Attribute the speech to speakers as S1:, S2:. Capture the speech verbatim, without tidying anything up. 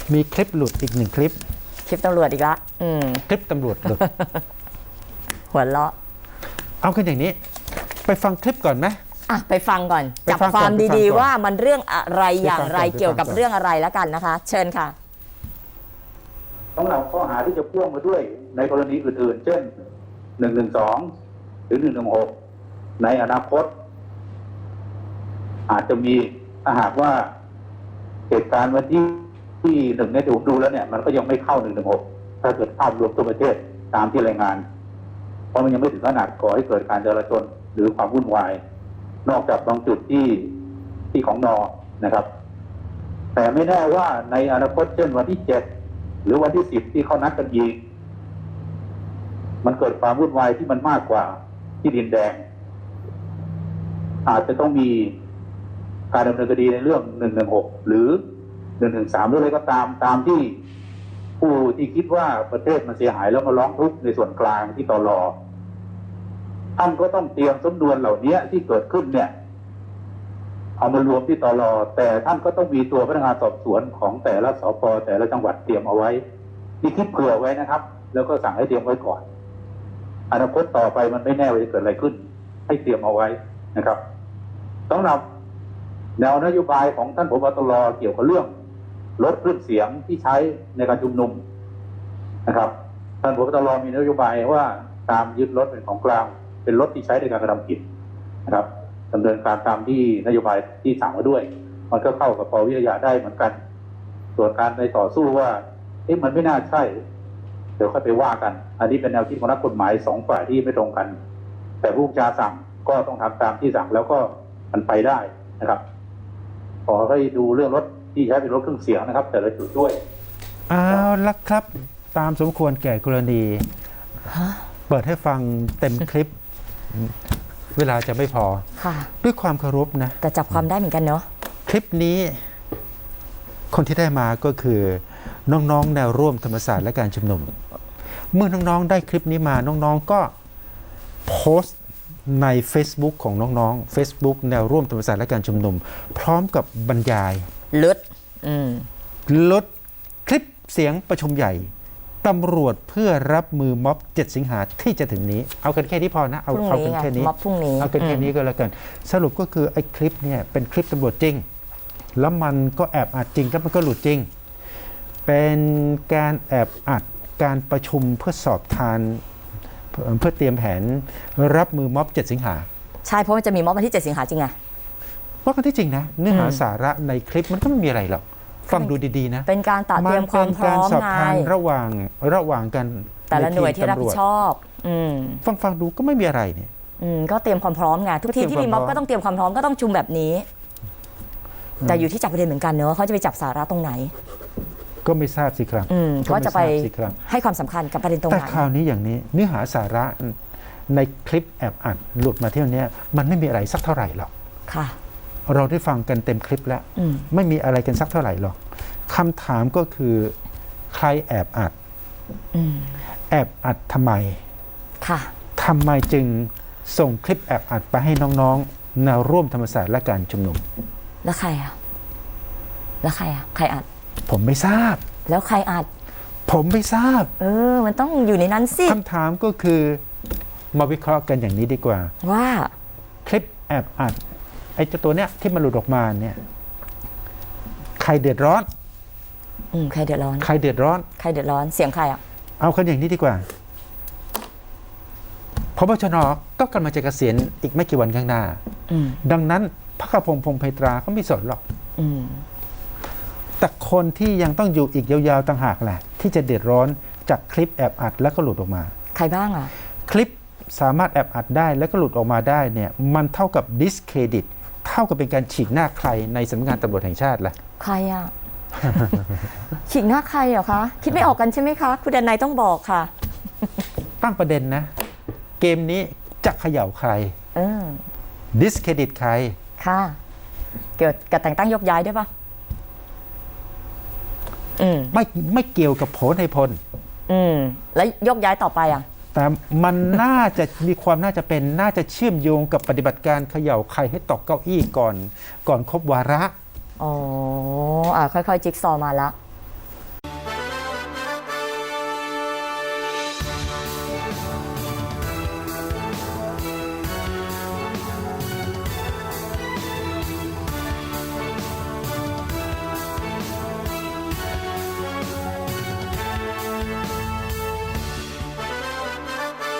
S1: มีคลิปหลุดอีกหนึ่งคลิป
S2: คลิปตำรวจอีกละอืม
S1: คลิปตำรวจหลุด
S2: หัวเราะ
S1: เอากันอย่างนี้ไปฟังคลิปก่อนไหม
S2: อ่ะไปฟังก่อนจับความดีๆว่ามันเรื่องอะไรอย่างไรเกี่ยวกับเรื่องอะไรแล้วกันนะคะเชิญค่ะ
S3: สำหรับข้อหาที่จะพ่วงมาด้วยในกรณีอื่นๆเช่นหนึ่งหนึ่งสองหรือหนึ่งหนึ่งหกในอนาคตอาจจะมีถ้าหากว่าเหตุการณ์วันที่ที่หนึ่งในดูดูแล้วเนี่ยมันก็ยังไม่เข้าหนึ่งหนึ่งหกถ้าเกิดภาพรวมทั่วประเทศตามที่รายงานเพราะมันยังไม่ถึงขนาดก่อให้เกิดการจราจรหรือความวุ่นวายนอกจากบางจุดที่ที่ของนอนะครับ แต่ไม่แน่ว่าในอนาคตเช่นวันที่เจ็ดหรือวันที่สิบที่เขานัดกันยิงมันเกิดความวุ่นวายที่มันมากกว่าที่ดินแดงอาจจะต้องมีการดำเนินคดีในเรื่องหนึ่งหนึ่งหกหรือหนึ่งหนึ่งสามหรืออะไรก็ตามตามที่ผู้ที่คิดว่าประเทศมันเสียหายแล้วมาร้องทุกข์ในส่วนกลางที่ตลอท่านก็ต้องเตรียมสำนวนเหล่านี้ที่เกิดขึ้นเนี่ยเอามารวมที่ตลแต่ท่านก็ต้องมีตัวพนักงานสอบสวนของแต่ละสปแต่ละจังหวัดเตรียมเอาไว้ที่คิดเผื่อไว้นะครับแล้วก็สั่งให้เตรียมไว้ก่อนอนาคตต่อไปมันไม่แน่ว่าจะเกิดอะไรขึ้นให้เตรียมเอาไว้นะครับสำหรับแนวนโยบายของท่านผบ.ตร.เกี่ยวกับเรื่องลดคลื่นเสียงที่ใช้ในการชุมนุมนะครับท่านผบ.ตร.มีนโยบายว่าตามยึดรถเป็นของกลางเป็นรถที่ใช้ในการกระทำผิดนะครับดำเนินการตามที่นโยบายที่สั่งมาด้วยมันก็เข้ากับปวิทยาได้เหมือนกันส่วนการในต่อสู้ว่าเอ๊ะมันไม่น่าใช่เดี๋ยวค่อยไปว่ากันอันนี้เป็นแนวคิดของนักกฎหมายสองฝ่ายที่ไม่ตรงกันแต่ผู้บัญชาสั่งก็ต้องทำตามที่สั่งแล้วก็มันไปได้นะครับขอให้ดูเรื่องรถที่ใช้เป็นรถเครื่องเสียงนะครับแต่ละจุดด้วย
S1: เอาละครับตามสมควรแก่กรณีเปิดให้ฟังเต็มคลิปเวลาจะไม่พอด้วยความเคารพนะ
S2: แต่จับความได้เหมือนกันเนาะ
S1: คลิปนี้คนที่ได้มาก็คือน้องๆแนวร่วมธรรมศาสตร์และการชุมนุมเมื่อน้องๆได้คลิปนี้มาน้องๆก็โพสต์ใน Facebook ของน้องๆ Facebook แนวร่วมธรรมศาสตร์และการชุมนุมพร้อมกับบรรยาย
S2: ลด
S1: ลดคลิปเสียงประชุมใหญ่ตำรวจเพื่อรับมือม็อบเจ็ดสิงหาที่จะถึงนี้เอากันแค่นี้พอนะเอาเอากันแค่นี้
S2: ม็อบพรุ่งนี้
S1: เอากันแค่นี้ก็แล้วกันสรุปก็คือไอ้คลิปเนี่ยเป็นคลิปตำรวจจริงแล้วมันก็แอบอัดจริงแล้วมันก็หลุดจริงเป็นการแอบอัดการประชุมเพื่อสอบทานเพื่อเตรียมแผนรับมือม็อบเจ็ดสิงหา
S2: ใช่เพราะมันจะมีม็อบวันที่เจ็ดสิงหาจริงไง
S1: ว่ากันที่จริงนะเนื้อหาสาระในคลิปมันก็ไม่มีอะไรหรอกฟังดูดีๆนะ
S2: เป็นการตัดเตรียมความพร้อมไง
S1: ระหว่างระหว่างกัน
S2: แต่ละหน่วยที่รับผิดชอบ
S1: ฟังฟังดูก็ไม่มีอะไรเนี่ย
S2: ก็เตรียมความพร้อมไงทุกทีที่มีม็อบก็ต้องเตรียมความพร้อมก็ต้องชุมแบบนี้แต่อยู่ที่จับประเด็นเหมือนกันเนอะเขาจะไปจับสาระตรงไหน
S1: ก็ไม่ทราบสิครับ
S2: เขาจะไปให้ความสำคัญกับประเด็นตรงไหน
S1: แต่คราวนี้อย่างนี้เนื้อหาสาระในคลิปแอบอัดหลุดมาเที่ยวนี้มันไม่มีอะไรสักเท่าไหร่หรอก
S2: ค่ะ
S1: เราได้ฟังกันเต็มคลิปแล้วไม่มีอะไรกันสักเท่าไหร่หรอกคำถามก็คือใครแอบอัดแอบอัดทำไม
S2: ค่ะ
S1: ทำไมจึงส่งคลิปแอบอัดไปให้น้องๆแนวร่วมธรรมศาสตร์และการชุมนุม
S2: แล้วใครอ่ะแล้วใครอ่ะใครอัด
S1: ผมไม่ทราบ
S2: แล้วใครอัด
S1: ผมไม่ทราบ
S2: เออมันต้องอยู่ในนั้นสิ
S1: คำถามก็คือมาวิเคราะห์กันอย่างนี้ดีกว่า
S2: ว่า
S1: คลิปแอบอัดไอ้เจ้าตัวเนี้ยที่มันหลุดออกมาเนี่ยใครเดือดร้อน
S2: อืมใครเดือดร้อน
S1: ใครเดือดร้อน
S2: ใครเดือดร้อนเสียงใครอ่ะ
S1: เอากันอย่างนี้ดีกว่าพบชน.ก็กำลังจะเกษียณอีกไม่กี่วันข้างหน้าดังนั้นพระกพงษ์พงษ์ไพตราก็ไม่สนหรอกแต่คนที่ยังต้องอยู่อีกยาวๆต่างหากแหละที่จะเดือดร้อนจากคลิปแอบอัดแล้วก็หลุดออกมา
S2: ใครบ้างอ่ะ
S1: คลิปสามารถแอบอัดได้แล้วก็หลุดออกมาได้เนี่ยมันเท่ากับดิสเครดิตเท่ากับเป็นการฉีกหน้าใครในสำนักงานตำรวจแห่งชาติล่ะ
S2: ใครอ่ะ ฉีกหน้าใครเหรอคะคิดไม่ออกกันใช่ไหมคะคุณดนัยต้องบอกค่ะ
S1: ตั้งประเด็นนะเกมนี้จะเขย่าใครดิสเครดิตใคร
S2: ค่ะเกี่ยวกับแต่งตั้งยกย้ายด้วยปะ
S1: ไม่ไม่เกี่ยวกับโผในพล
S2: อืมแล้วยกย้ายต่อไปอ่ะ
S1: แต่มันน่าจะมีความน่าจะเป็นน่าจะเชื่อมโยงกับปฏิบัติการเขย่าใครให้ตกเก้าอี้ก่อนก่อนครบวาระ
S2: อ๋ออ่าค่อยๆจิ๊กซอว์มาละ